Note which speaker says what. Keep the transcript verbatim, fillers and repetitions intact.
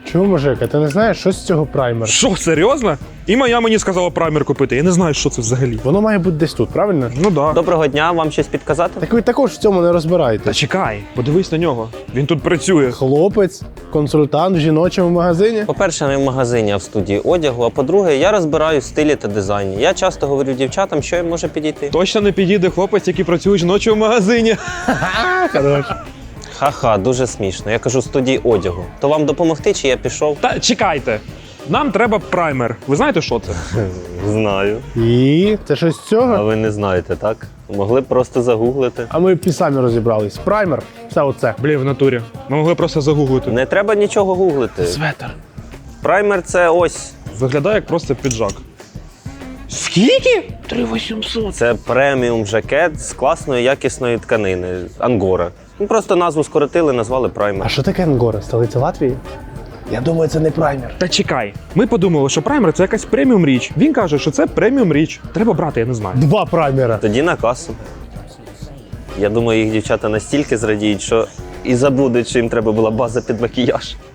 Speaker 1: Чого, мужик, а ти не знаєш, що з цього праймер?
Speaker 2: Що, серйозно? І моя мені сказала праймер купити. Я не знаю, що це взагалі.
Speaker 1: Воно має бути десь тут, правильно?
Speaker 2: Ну да.
Speaker 3: Доброго дня, вам щось підказати?
Speaker 1: Так ви також в цьому не
Speaker 2: Та
Speaker 1: розбираєтесь.
Speaker 2: чекай, подивись на нього. Він тут працює.
Speaker 1: Хлопець, консультант в жіночому магазині.
Speaker 3: По-перше, не в магазині, а в студії одягу. А по-друге, я розбираю в стилі та дизайні. Я часто говорю дівчатам, що їм може підійти.
Speaker 2: Точно не підійде хлопець, який працює в жіночому магазині.
Speaker 1: А, хорош.
Speaker 3: Ха-ха, дуже смішно. Я кажу, в студії одягу. То вам допомогти, чи я пішов?
Speaker 2: Та чекайте. Нам треба праймер. Ви знаєте, що це?
Speaker 3: Знаю.
Speaker 1: І це щось з
Speaker 3: А
Speaker 1: цього?
Speaker 3: ви не знаєте, так? Могли б просто загуглити.
Speaker 1: А ми б і самі розібрались. Праймер, все оце.
Speaker 2: Блін, в натурі. Ми могли просто загуглити.
Speaker 3: Не треба нічого гуглити.
Speaker 1: Светер.
Speaker 3: Праймер це ось.
Speaker 2: Виглядає як просто піджак. Скільки? три вісімсот.
Speaker 3: Це преміум жакет з класної якісної тканини. Ангора. Ну, просто назву скоротили, назвали
Speaker 1: А
Speaker 3: праймер.
Speaker 1: що таке Ангора? Столиця Латвії? Я думаю, це не праймер.
Speaker 2: Та чекай. Ми подумали, що праймер це якась преміум річ. Він каже, що це преміум річ. Треба брати, я не знаю.
Speaker 1: Два праймера.
Speaker 3: Тоді на касу. Я думаю, їх дівчата настільки зрадіють, що і забудуть, що їм треба була база під макіяж.